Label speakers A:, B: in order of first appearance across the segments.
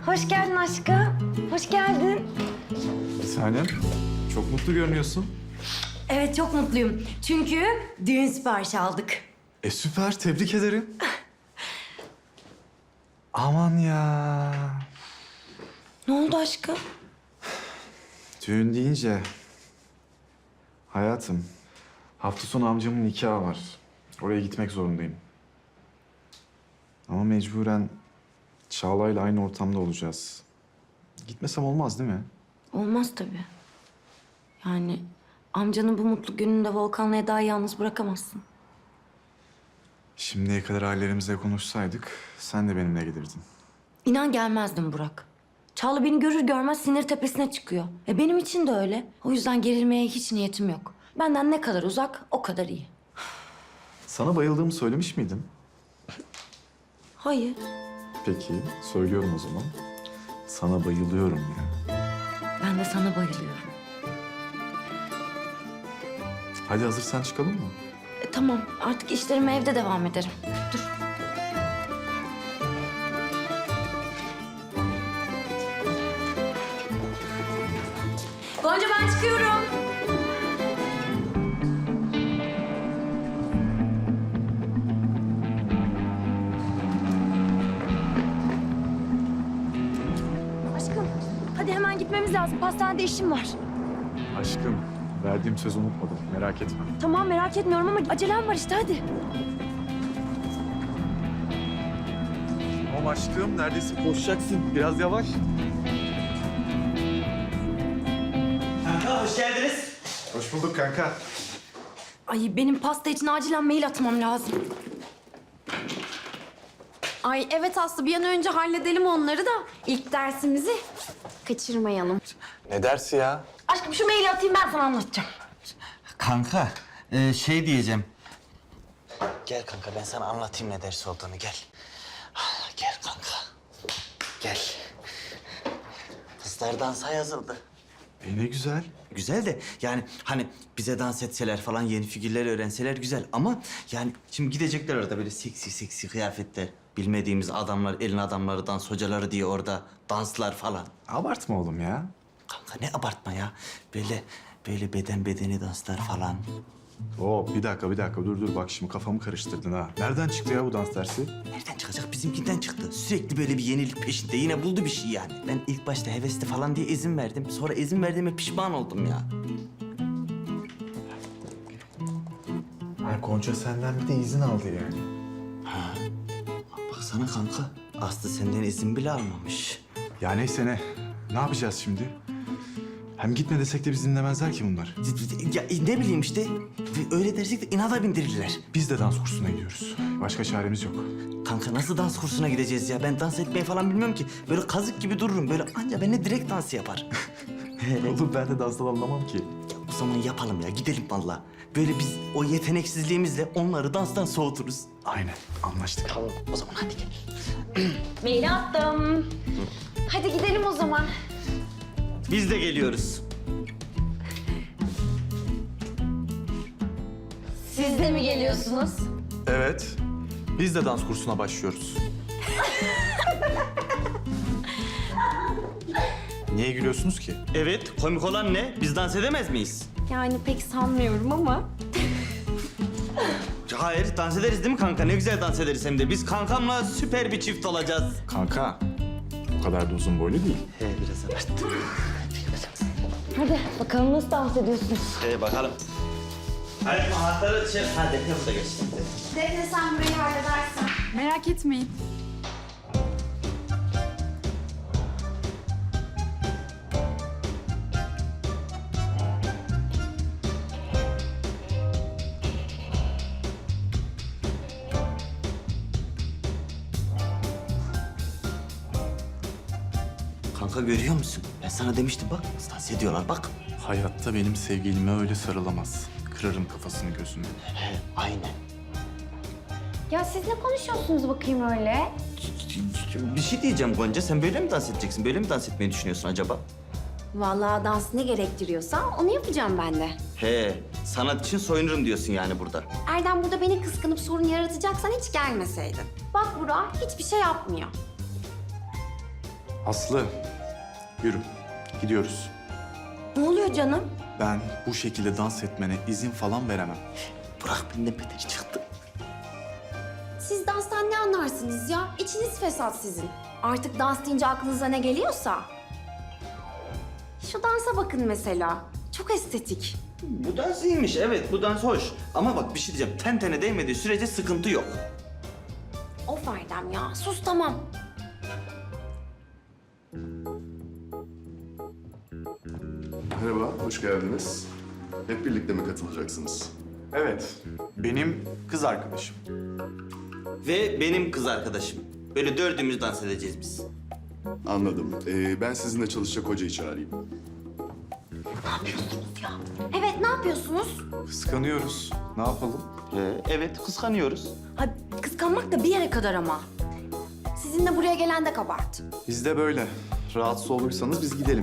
A: Hoş geldin aşkım. Hoş geldin.
B: Bir tanem, çok mutlu görünüyorsun.
A: Evet, çok mutluyum. Çünkü düğün siparişi aldık.
B: Süper, tebrik ederim. Aman ya.
A: Ne oldu aşkım?
B: Düğün deyince... Hayatım, hafta sonu amcamın nikahı var. Oraya gitmek zorundayım. Ama mecburen Çağla'yla aynı ortamda olacağız. Gitmesem olmaz değil mi?
A: Olmaz tabii. Yani amcanın bu mutlu gününde Volkan'la Eda'yı yalnız bırakamazsın.
B: Şimdiye kadar ailelerimize konuşsaydık sen de benimle gelirdin.
A: İnan gelmezdim Burak. Çağla beni görür görmez sinir tepesine çıkıyor. Benim için de öyle. O yüzden gerilmeye hiç niyetim yok. Benden ne kadar uzak, o kadar iyi.
B: Sana bayıldığımı söylemiş miydim?
A: Hayır.
B: Peki, söylüyorum o zaman. Sana bayılıyorum ya.
A: Ben de sana bayılıyorum.
B: Hadi hazırsan çıkalım mı?
A: Tamam, artık işlerime evde devam ederim. Dur. Gonca, ben çıkıyorum. Aşkım, hadi hemen gitmemiz lazım. Pastanede işim var.
B: Aşkım, verdiğim sözü unutmadım. Merak etme.
A: Tamam, merak etmiyorum ama acelem var işte, hadi.
B: Tamam aşkım, neredeyse koşacaksın. Biraz yavaş.
C: Kanka hoş geldiniz.
B: Hoş bulduk kanka.
A: Ay, benim pasta için acilen mail atmam lazım.
D: Ay evet Aslı, bir an önce halledelim onları da ilk dersimizi kaçırmayalım.
B: Ne dersi ya?
A: Aşkım, şu maili atayım, ben sana anlatacağım.
C: Kanka şey diyeceğim. Gel kanka ben sana anlatayım ne ders olduğunu gel. Gel kanka. Gel. Kızlar dansa yazıldı.
B: Ne güzel.
C: Güzel de yani hani bize dans etseler falan yeni figürler öğrenseler güzel ama yani şimdi gidecekler orada böyle seksi seksi kıyafetler. Bilmediğimiz adamlar, elin adamları, dans hocaları diye orada danslar falan.
B: Abartma oğlum ya.
C: Kanka ne abartma ya. Böyle beden bedeni danslar falan.
B: Bir dakika. Dur bak şimdi kafamı karıştırdın ha. Nereden çıktı ya bu dans dersi?
C: Nereden çıkacak? Bizimkinden çıktı. Sürekli böyle bir yenilik peşinde. Yine buldu bir şey yani. Ben ilk başta hevesli falan diye izin verdim. Sonra izin verdiğime pişman oldum ya.
B: Ha, Gonca senden bir de izin aldı yani.
C: Baksana kanka. Aslı senden izin bile almamış.
B: Ya neyse ne. Ne yapacağız şimdi? Hem gitme desek de bizi dinlemezler ki bunlar.
C: Ya ne bileyim işte. Öyle dersek de inada bindirirler.
B: Biz de dans kursuna gidiyoruz. Başka çaremiz yok.
C: Kanka nasıl dans kursuna gideceğiz ya? Ben dans etmeyi falan bilmiyorum ki. Böyle kazık gibi dururum. Böyle anca benimle direkt dans yapar.
B: Oğlum ben de danstan anlamam ki.
C: Ya o zaman yapalım ya. Gidelim vallahi. Böyle biz o yeteneksizliğimizle onları danstan soğuturuz.
B: Aynen anlaştık.
C: Tamam o zaman hadi gel.
D: Maili attım. Hadi gidelim o zaman.
C: Biz de geliyoruz.
D: Siz de mi geliyorsunuz?
B: Evet. Biz de dans kursuna başlıyoruz. Niye gülüyorsunuz ki?
C: Evet, komik olan ne? Biz dans edemez miyiz?
D: Yani pek sanmıyorum ama.
C: Hayır, dans ederiz değil mi kanka? Ne güzel dans ederiz hem de. Biz kankamla süper bir çift olacağız.
B: Kanka, o kadar da uzun boylu değil.
C: He, biraz abarttım.
A: Hadi bakalım nasıl dans ediyorsunuz?
C: Bakalım. Hadi anahtarı şey... Ha, Defne burada geçti.
D: Defne sen burayı halledersen.
E: Merak etmeyin.
C: Kanka görüyor musun? Ben sana demiştim bak. Dans ediyorlar bak.
B: Hayatta benim sevgilime öyle sarılamaz. Kırarım kafasını gözünü.
C: He, aynen.
D: Ya siz ne konuşuyorsunuz bakayım öyle?
C: Bir şey diyeceğim Gonca. Sen böyle mi dans edeceksin? Böyle mi dans etmeyi düşünüyorsun acaba?
D: Vallahi dans ne gerektiriyorsa onu yapacağım ben de.
C: He, sanat için soyunurum diyorsun yani burada.
D: Erdem burada beni kıskanıp sorun yaratacaksan hiç gelmeseydin. Bak Burak hiçbir şey yapmıyor.
B: Aslı, yürü. Gidiyoruz.
A: Ne oluyor canım?
B: Ben bu şekilde dans etmene izin falan veremem.
C: Burak benden beter çıktı.
D: Siz danstan ne anlarsınız ya? İçiniz fesat sizin. Artık dans deyince aklınıza ne geliyorsa. Şu dansa bakın mesela. Çok estetik.
C: Bu dans iyiymiş, evet bu dans hoş. Ama bak bir şey diyeceğim, ten tene değmediği sürece sıkıntı yok.
D: Of Erdem ya, sus tamam.
E: Merhaba, hoş geldiniz. Hep birlikte mi katılacaksınız?
B: Evet, benim kız arkadaşım.
C: Ve benim kız arkadaşım. Böyle dördümüz dans edeceğiz biz.
E: Anladım. Ben sizinle çalışacak hocayı çağırayım.
D: Evet, ne yapıyorsunuz?
B: Kıskanıyoruz. Ne yapalım?
C: Evet, kıskanıyoruz.
A: Ha, kıskanmak da bir yere kadar ama.
D: Sizinle buraya gelen de kabahat.
B: Biz de böyle. Rahatsız olursanız biz gidelim.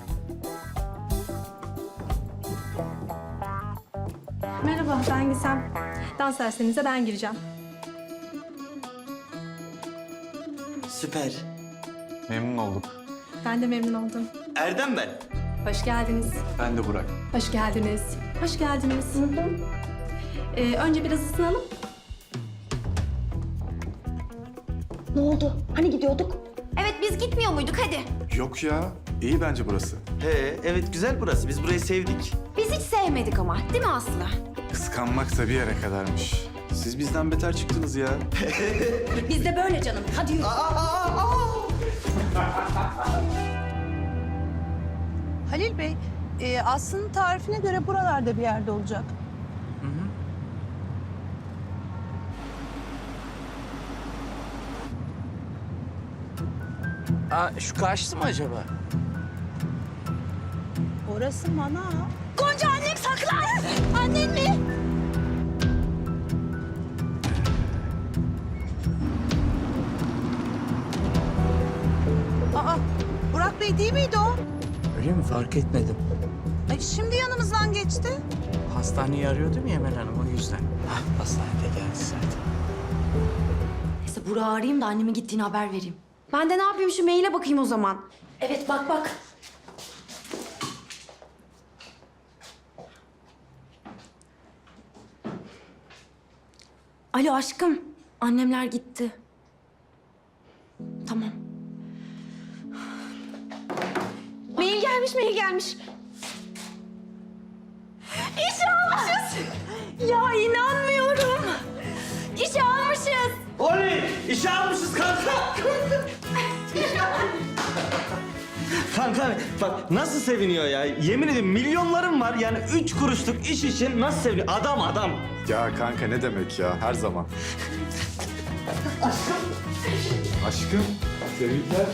F: Merhaba, ben Gizem. Dans derslerinize ben gireceğim.
C: Süper.
B: Memnun olduk.
F: Ben de memnun oldum.
C: Erdem ben.
F: Hoş geldiniz.
B: Ben de Burak.
F: Hoş geldiniz. Hoş geldiniz. Önce biraz ısınalım.
A: Ne oldu? Hani gidiyorduk?
D: Evet, biz gitmiyor muyduk hadi.
B: Yok ya, iyi bence burası.
C: Evet güzel burası. Biz burayı sevdik.
D: Biz hiç sevmedik ama, değil mi Aslı?
B: Kıskanmak da bir yere kadarmış. Siz bizden beter çıktınız ya.
A: Biz de böyle canım. Hadi yürü.
G: Halil Bey, Aslı'nın tarifine göre buralarda bir yerde olacak.
H: Şu karşısı mı acaba?
G: Orası manav. Gonca annem saklan! Annen mi? Aa, Burak Bey değil miydi o?
H: Öyle mi? Fark etmedim.
G: Ay, şimdi yanımızdan geçti.
H: Hastaneyi arıyordum ya Emel Hanım, o yüzden. Hastanede geldi zaten.
A: Neyse Burak'ı arayayım da anneme gittiğini haber vereyim.
D: Ben de ne yapayım şu maile bakayım o zaman.
A: Evet bak. Alo aşkım. Annemler gitti. Tamam.
D: Mail gelmiş. İşe almışız. Ya inanmıyorum. İşe almışız.
C: Oley! İşe almışız kanka. Kanka bak nasıl seviniyor ya. Yemin ederim milyonlarım var. Yani 3 kuruşluk iş için nasıl seviniyor. Adam.
B: Ya kanka ne demek ya, her zaman. Aşkım, tebrikler.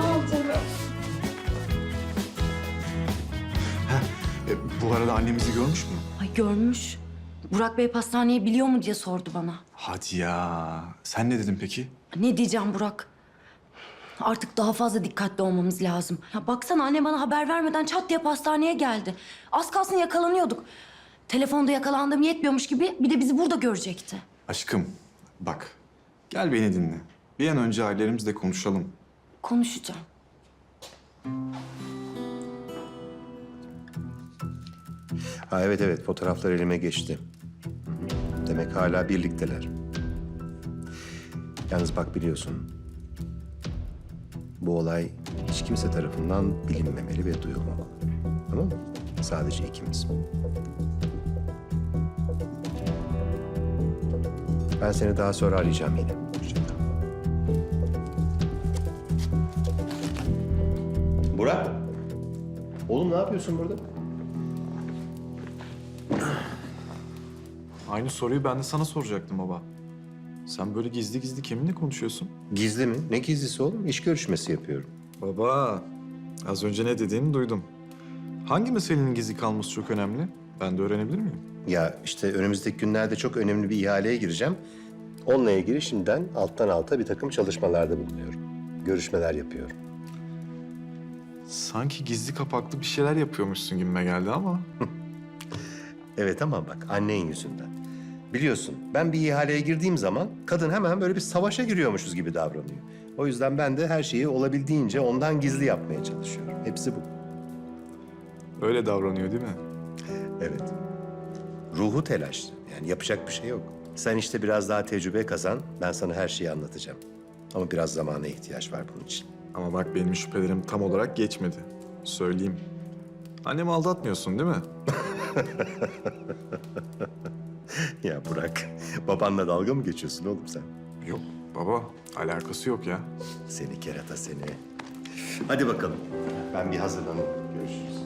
B: Bu arada annemizi görmüş mü?
A: Ay görmüş. Burak Bey pastaneyi biliyor mu diye sordu bana.
B: Hadi ya. Sen ne dedin peki?
A: Ne diyeceğim Burak? Artık daha fazla dikkatli olmamız lazım. Ya baksana anne bana haber vermeden çat diye pastaneye geldi. Az kalsın yakalanıyorduk. Telefonda yakalandığım yetmiyormuş gibi bir de bizi burada görecekti.
B: Aşkım, bak. Gel beni dinle. Bir an önce ailelerimizle konuşalım.
A: Konuşacağım.
I: Ha evet fotoğraflar elime geçti. Demek hala birlikteler. Yalnız bak biliyorsun. Bu olay hiç kimse tarafından bilinmemeli ve duyulmamalı. Tamam mı? Sadece ikimiz. Ben seni daha sonra arayacağım yine. Hoşça kal. Burak. Oğlum ne yapıyorsun burada?
B: Aynı soruyu ben de sana soracaktım baba. Sen böyle gizli gizli kiminle konuşuyorsun?
I: Gizli mi? Ne gizlisi oğlum? İş görüşmesi yapıyorum.
B: Baba, az önce ne dediğini duydum. Hangi meselenin gizli kalması çok önemli? Ben de öğrenebilir miyim?
I: Ya işte önümüzdeki günlerde çok önemli bir ihaleye gireceğim. Onunla ilgili şimdiden alttan alta bir takım çalışmalarda bulunuyorum. Görüşmeler yapıyorum.
B: Sanki gizli kapaklı bir şeyler yapıyormuşsun gibime geldi ama.
I: Evet ama bak annen yüzünden. Biliyorsun ben bir ihaleye girdiğim zaman kadın hemen böyle bir savaşa giriyormuşuz gibi davranıyor. O yüzden ben de her şeyi olabildiğince ondan gizli yapmaya çalışıyorum. Hepsi bu.
B: Öyle davranıyor değil mi?
I: Evet. Ruhu telaşlı. Yani yapacak bir şey yok. Sen işte biraz daha tecrübe kazan. Ben sana her şeyi anlatacağım. Ama biraz zamana ihtiyaç var bunun için.
B: Ama bak benim şüphelerim tam olarak geçmedi. Söyleyeyim. Annemi aldatmıyorsun değil mi?
I: Ya Burak, babanla dalga mı geçiyorsun oğlum sen?
B: Yok baba, alakası yok ya.
I: Seni kerata seni. Hadi bakalım. Ben bir hazırlanayım. Görüşürüz.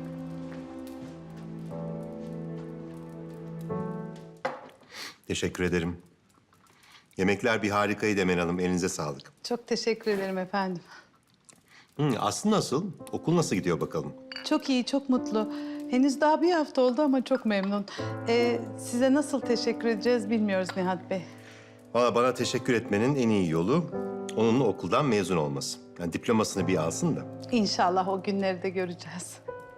I: Teşekkür ederim. Yemekler bir harikaydı Emel Hanım. Elinize sağlık.
G: Çok teşekkür ederim efendim.
I: Aslı nasıl? Okul nasıl gidiyor bakalım?
G: Çok iyi, çok mutlu. Henüz daha bir hafta oldu ama çok memnun. Size nasıl teşekkür edeceğiz bilmiyoruz Nihat Bey.
I: Valla bana teşekkür etmenin en iyi yolu onun okuldan mezun olması. Yani diplomasını bir alsın da.
G: İnşallah o günleri de göreceğiz.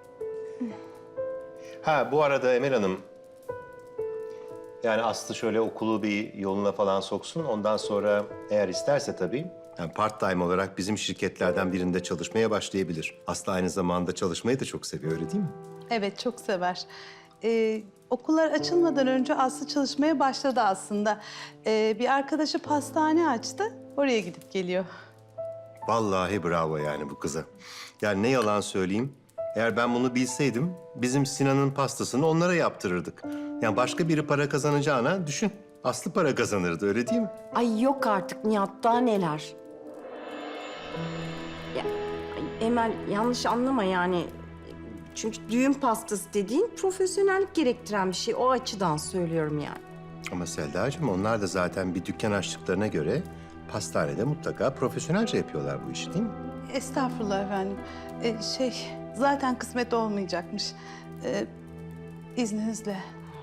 I: Ha bu arada Emel Hanım, yani Aslı şöyle okulu bir yoluna falan soksun. Ondan sonra eğer isterse tabii, yani part-time olarak bizim şirketlerden birinde çalışmaya başlayabilir. Aslı aynı zamanda çalışmayı da çok seviyor, öyle değil mi?
G: Evet, çok sever. Okullar açılmadan önce Aslı çalışmaya başladı aslında. Bir arkadaşı pastane açtı, oraya gidip geliyor.
I: Vallahi bravo yani bu kıza. Yani ne yalan söyleyeyim, eğer ben bunu bilseydim bizim Sinan'ın pastasını onlara yaptırırdık. Yani başka biri para kazanacağına düşün. Aslı para kazanırdı, öyle değil mi?
J: Ay yok artık Nihat, daha neler. Ya, ay, Emel yanlış anlama yani. Çünkü düğün pastası dediğin profesyonellik gerektiren bir şey. O açıdan söylüyorum yani.
I: Ama Selda'cığım onlar da zaten bir dükkan açtıklarına göre pastanede mutlaka profesyonelce yapıyorlar bu işi değil mi?
G: Estağfurullah efendim. Zaten kısmet olmayacakmış. İzninizle.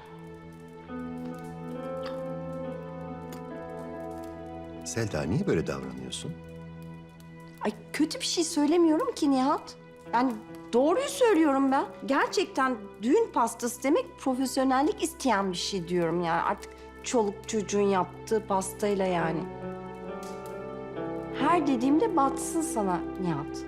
I: Selda niye böyle davranıyorsun?
J: Ay kötü bir şey söylemiyorum ki Nihat. Yani doğruyu söylüyorum ben. Gerçekten düğün pastası demek profesyonellik isteyen bir şey diyorum yani. Artık çoluk çocuğun yaptığı pastayla yani. Her dediğimde batsın sana Nihat.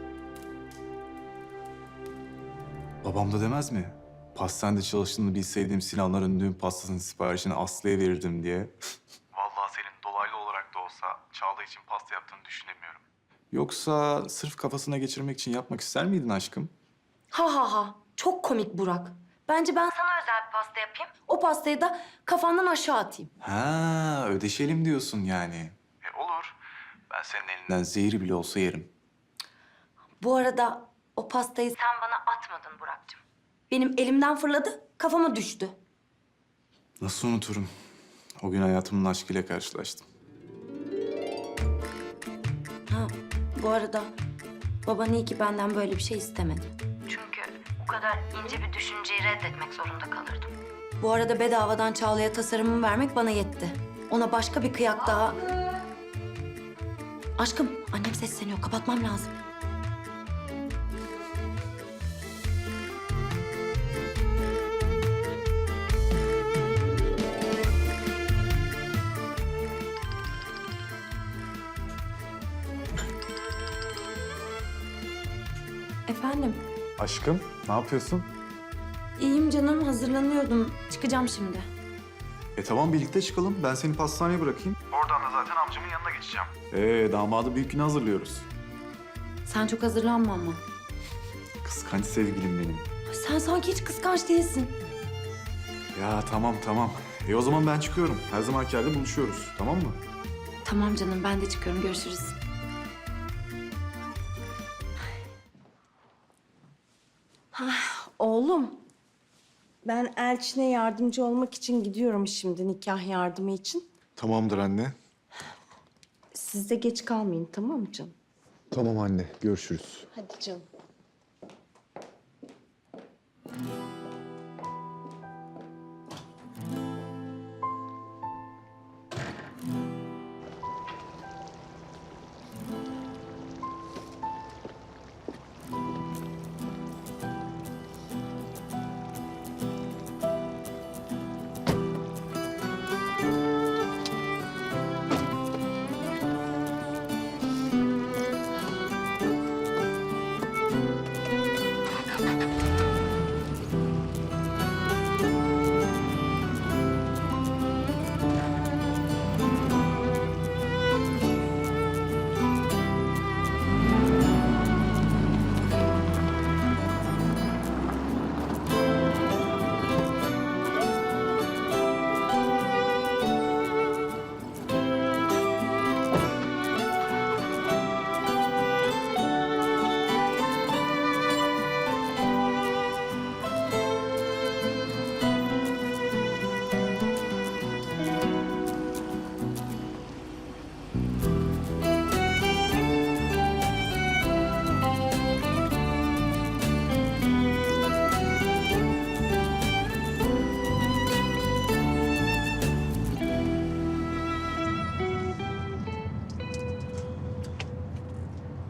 K: Babam da demez mi? Pastanede çalıştığını bilseydim Sinanların düğün pastasının siparişini Aslı'ya verirdim diye. Vallahi senin dolaylı olarak da olsa Çağla için pasta yaptığını düşünemiyorum. Yoksa sırf kafasına geçirmek için yapmak ister miydin aşkım?
A: Ha ha ha. Çok komik Burak. Bence ben sana özel bir pasta yapayım. O pastayı da kafandan aşağı atayım.
K: Ha, ödeşelim diyorsun yani. Olur. Ben senin elinden zehri bile olsa yerim.
A: Bu arada o pastayı sen bana atmadın Burak'cığım. Benim elimden fırladı, kafama düştü.
K: Nasıl unuturum? O gün hayatımın aşkıyla karşılaştım.
A: Ha, bu arada baban iyi ki benden böyle bir şey istemedi. Çünkü bu kadar ince bir düşünceyi reddetmek zorunda kalırdım. Bu arada bedavadan Çağla'ya tasarımımı vermek bana yetti. Ona başka bir kıyak daha... Aşkım, annem sesleniyor. Kapatmam lazım. Efendim?
K: Aşkım, ne yapıyorsun?
A: İyiyim canım, hazırlanıyordum. Çıkacağım şimdi.
K: Tamam birlikte çıkalım. Ben seni pastaneye bırakayım. Oradan da zaten amcamın yanına geçeceğim. Damadı büyük güne hazırlıyoruz.
A: Sen çok hazırlanma ama.
K: Kıskanç sevgilim benim.
A: Sen sanki hiç kıskanç değilsin.
K: Ya tamam tamam. O zaman ben çıkıyorum. Her zamanki yerde buluşuyoruz. Tamam mı?
A: Tamam canım, ben de çıkıyorum. Görüşürüz.
J: Oğlum, ben Elçin'e yardımcı olmak için gidiyorum şimdi nikah yardımı için.
B: Tamamdır anne.
J: Siz de geç kalmayın tamam mı canım?
B: Tamam anne, görüşürüz.
J: Hadi canım.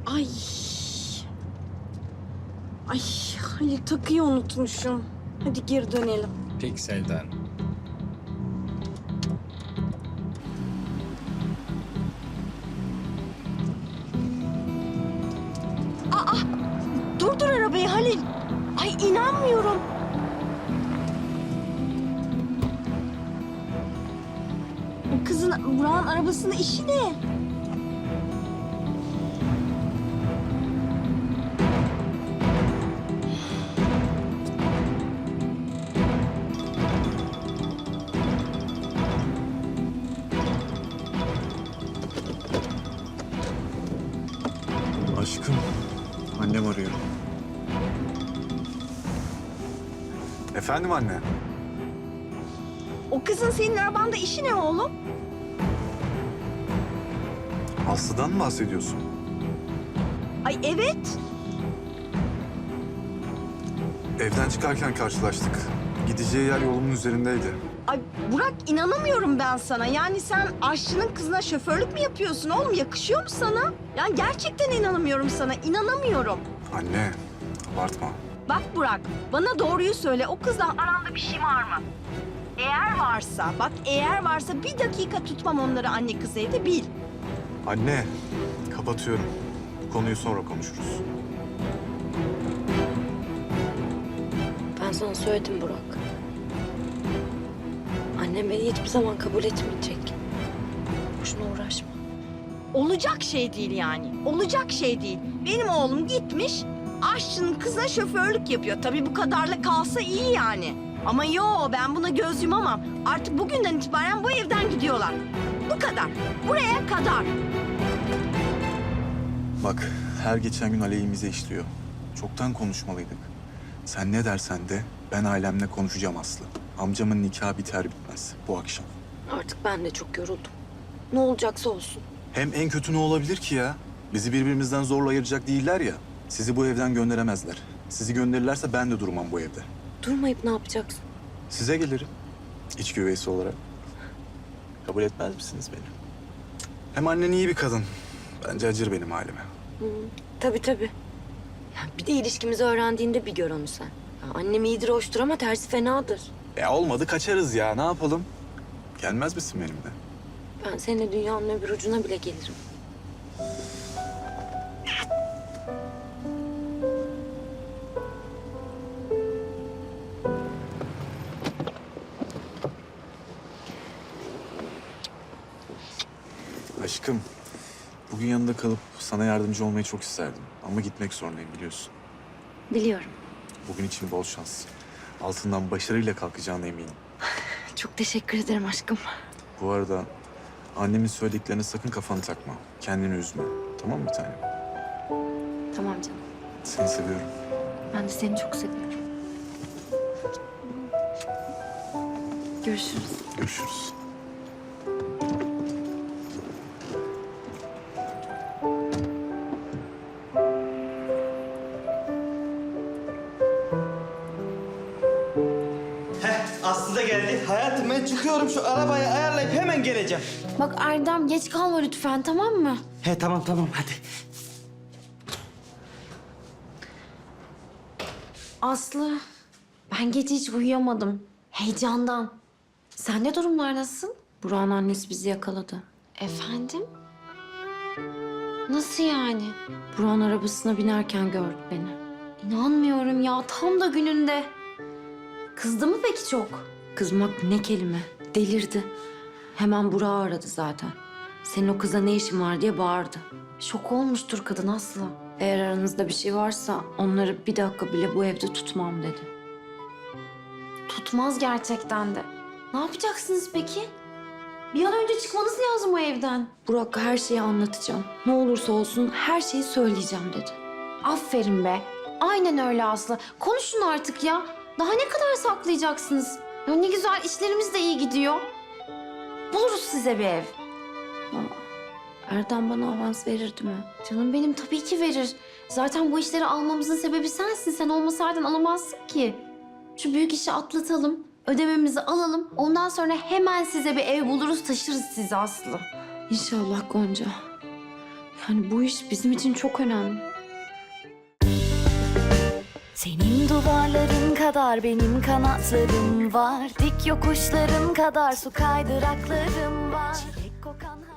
J: Ay. Ay Halil takıyı unutmuşum. Hadi geri dönelim.
H: Peki Selda Hanım.
J: Durdur arabayı Halil. Ay inanmıyorum. O kızın Burak'ın arabasının işi ne?
K: Aşkım, annem arıyor. Efendim anne?
J: O kızın senin arabanda işi ne oğlum?
K: Aslı'dan mı bahsediyorsun?
J: Ay evet.
K: Evden çıkarken karşılaştık. Gideceği yer yolumun üzerindeydi.
J: Ay Burak inanamıyorum ben sana. Yani sen aşçının kızına şoförlük mü yapıyorsun oğlum? Yakışıyor mu sana? Yani gerçekten inanamıyorum sana. İnanamıyorum.
K: Anne, abartma.
J: Bak Burak, bana doğruyu söyle. O kızla aranda bir şey var mı? Eğer varsa bir dakika tutmam onları anne kız evde bil.
K: Anne, kapatıyorum. Bu konuyu sonra konuşuruz.
A: Ben sana söyledim Burak. Annem beni hiçbir zaman kabul etmeyecek. Boşuna uğraşma.
J: Olacak şey değil yani. Olacak şey değil. Benim oğlum gitmiş, aşçının kızına şoförlük yapıyor. Tabii bu kadarla kalsa iyi yani. Ama yo, ben buna göz yumamam. Artık bugünden itibaren bu evden gidiyorlar. Bu kadar. Buraya kadar.
K: Bak, her geçen gün aleyhimize işliyor. Çoktan konuşmalıydık. Sen ne dersen de ben ailemle konuşacağım Aslı. Amcamın nikahı biter bitmez bu akşam.
A: Artık ben de çok yoruldum. Ne olacaksa olsun.
K: Hem en kötü ne olabilir ki ya? Bizi birbirimizden zorla ayıracak değiller ya. Sizi bu evden gönderemezler. Sizi gönderirlerse ben de durmam bu evde.
A: Durmayıp ne yapacaksın?
K: Size gelirim. İç güveysi olarak. Kabul etmez misiniz beni? Hem annen iyi bir kadın. Bence acır benim halime.
A: Tabii tabii. Ya bir de ilişkimizi öğrendiğinde bir gör onu sen. Ya annem iyidir hoştur ama tersi fenadır.
K: Olmadı kaçarız ya. Ne yapalım? Gelmez misin benimle?
A: Ben seninle dünyanın öbür ucuna bile gelirim.
K: Aşkım, bugün yanında kalıp sana yardımcı olmayı çok isterdim. Ama gitmek zorundayım biliyorsun.
A: Biliyorum.
K: Bugün için bol şans. Altından başarıyla kalkacağına eminim.
A: Çok teşekkür ederim aşkım.
K: Bu arada annemin söylediklerine sakın kafanı takma. Kendini üzme. Tamam mı bir tanem?
A: Tamam canım.
K: Seni seviyorum.
A: Ben de seni çok seviyorum. Görüşürüz.
K: Görüşürüz.
C: Aslı da geldi. Hayatım ben çıkıyorum, şu arabayı ayarlayıp hemen geleceğim.
D: Bak Erdem geç kalma lütfen, tamam mı?
C: He tamam hadi.
D: Aslı, ben gece hiç uyuyamadım. Heyecandan. Sende durumlar nasıl?
A: Burak'ın annesi bizi yakaladı.
D: Efendim? Nasıl yani?
A: Burak'ın arabasına binerken gördü beni.
D: İnanmıyorum ya, tam da gününde. Kızdı mı peki çok?
A: Kızmak ne kelime. Delirdi. Hemen Burak'ı aradı zaten. Senin o kıza ne işin var diye bağırdı.
D: Şok olmuştur kadın Aslı.
A: Eğer aranızda bir şey varsa onları bir dakika bile bu evde tutmam dedi.
D: Tutmaz gerçekten de. Ne yapacaksınız peki? Bir an önce çıkmanız lazım o evden.
A: Burak'a her şeyi anlatacağım. Ne olursa olsun her şeyi söyleyeceğim dedi.
D: Aferin be. Aynen öyle Aslı. Konuşun artık ya. Daha ne kadar saklayacaksınız? Ya ne güzel, işlerimiz de iyi gidiyor. Buluruz size bir ev.
A: Ama Erdem bana avans verirdi mi?
D: Canım benim tabii ki verir. Zaten bu işleri almamızın sebebi sensin. Sen olmasaydın alamazsın ki. Şu büyük işi atlatalım, ödememizi alalım. Ondan sonra hemen size bir ev buluruz, taşırız sizi Aslı.
A: İnşallah Gonca. Yani bu iş bizim için çok önemli.
L: Senin duvarların kadar benim kanatlarım var. Dik yokuşların kadar su kaydıraklarım var. Çilek kokan